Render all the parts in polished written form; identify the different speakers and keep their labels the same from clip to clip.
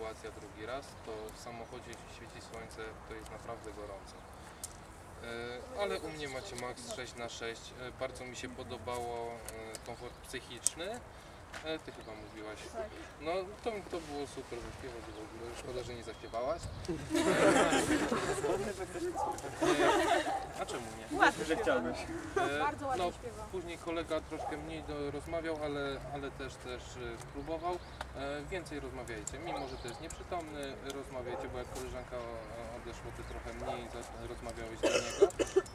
Speaker 1: sytuacja drugi raz, to w samochodzie świeci słońce, to jest naprawdę gorąco. Ale u mnie macie Max 6x6, bardzo mi się podobało komfort psychiczny. Ty chyba mówiłaś. No to było super wyśpiewać w ogóle. Szkoda, że nie zaśpiewałaś. A czemu nie?
Speaker 2: Ładnie, że chciałbyś.
Speaker 3: Bardzo ładnie
Speaker 1: No,
Speaker 3: śpiewa.
Speaker 1: później kolega troszkę mniej rozmawiał, ale też spróbował. Więcej rozmawiajcie, mimo że to jest nieprzytomny, rozmawiajcie, bo jak koleżanka odeszła, ty trochę mniej rozmawiałeś do niego.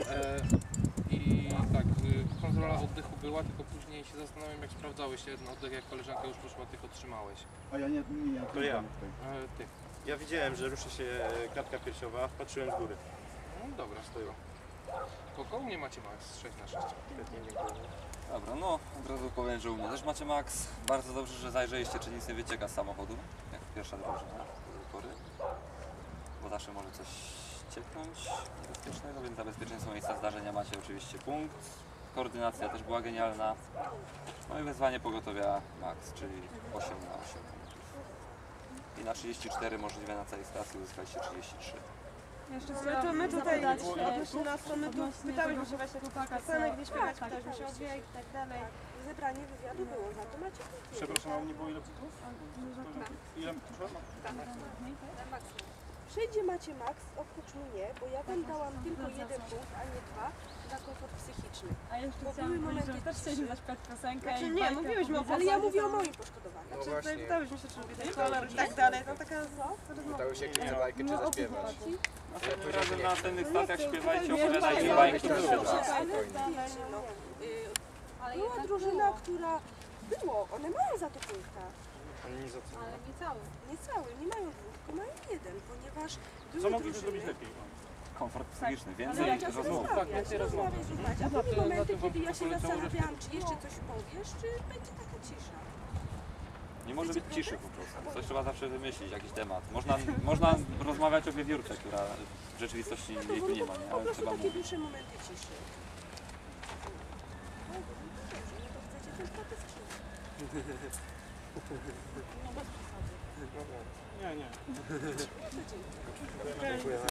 Speaker 1: I tak, kontrola oddechu była, tylko później się zastanawiam, jak sprawdzałeś ten oddech, jak koleżanka już poszła, tylko trzymałeś.
Speaker 2: A ja nie.
Speaker 4: To ja.
Speaker 1: Ty.
Speaker 4: Ja widziałem, że ruszy się klatka piersiowa, patrzyłem z góry.
Speaker 1: No dobra, stoją. Kogo? Nie macie Max 6x6.
Speaker 4: Świetnie, dziękuję.
Speaker 5: Dobra, no od razu powiem, że u mnie też macie Max. Bardzo dobrze, że zajrzeliście, czy nic nie wycieka z samochodu, jak pierwsza drużyna do tej pory. Bo zawsze może coś cieknąć niebezpiecznego, więc za bezpieczeństwo miejsca zdarzenia macie oczywiście punkt. Koordynacja też była genialna. No i wezwanie pogotowia Max, czyli 8 na 8 punktów. I na 34 możliwe na całej stacji uzyskaliście 33.
Speaker 3: My tutaj odnośnie nas, to my tu pytałyśmy się właśnie piosenek, gdzie śpiewać, pytałyśmy się o dźwięk i tak dalej. Zebranie wywiadu było, za to macie punkt.
Speaker 2: Przepraszam, a u mnie było ile punktów? Ile?
Speaker 6: Wszędzie macie Max, oprócz mnie, bo ja wam dałam tylko jeden punkt, a nie dwa, za komfort psychiczny.
Speaker 7: A jeszcze
Speaker 6: Bo
Speaker 7: chciałam
Speaker 6: były
Speaker 7: powiedzieć, że
Speaker 6: momenty
Speaker 7: też chcieliśmy zaśpiewać piosenkę
Speaker 3: Znaczy
Speaker 7: i
Speaker 3: nie,
Speaker 7: bajkę
Speaker 3: mówiłyśmy o
Speaker 7: opowiedzieć.
Speaker 6: Ale ja mówię o moim poszkodowaniu.
Speaker 1: No
Speaker 3: Tutaj
Speaker 1: właśnie.
Speaker 3: pytałyśmy się, czy lubię ten kolor i tak dalej, no taka rozmowa.
Speaker 1: Pytały się, czy bajkę, czy zaśpiewać.
Speaker 5: Następnym razem na następnych stacjach śpiewajcie, opowiadajcie bajki.
Speaker 6: Była drużyna, która było, one mają za to punkta.
Speaker 4: Ale nie za co.
Speaker 3: Ale nie cały.
Speaker 6: Nie cały, nie mają dwóch, tylko mają jeden, ponieważ
Speaker 2: Co
Speaker 6: były
Speaker 2: mogliśmy zrobić
Speaker 6: drużyny.
Speaker 2: lepiej?
Speaker 5: Komfort psychiczny,
Speaker 6: Ale
Speaker 5: więcej
Speaker 6: jak czasem
Speaker 5: rozmów.
Speaker 1: Tak, więcej rozmów.
Speaker 6: rozmawiać. A były momenty, kiedy ja się zastanawiałam, czy jeszcze coś powiesz, czy będzie taka cisza.
Speaker 5: Nie może być ciszy po prostu. Coś trzeba zawsze wymyślić, jakiś temat. Można rozmawiać o wiewiórce, która w rzeczywistości jej tu nie ma, nie?
Speaker 6: Po
Speaker 5: Ale
Speaker 6: prostu
Speaker 5: trzeba
Speaker 6: takie
Speaker 5: mówić.
Speaker 6: dłuższe momenty ciszy. No, dobrze, no to chcecie ten protest
Speaker 2: Nie, nie.
Speaker 6: czy...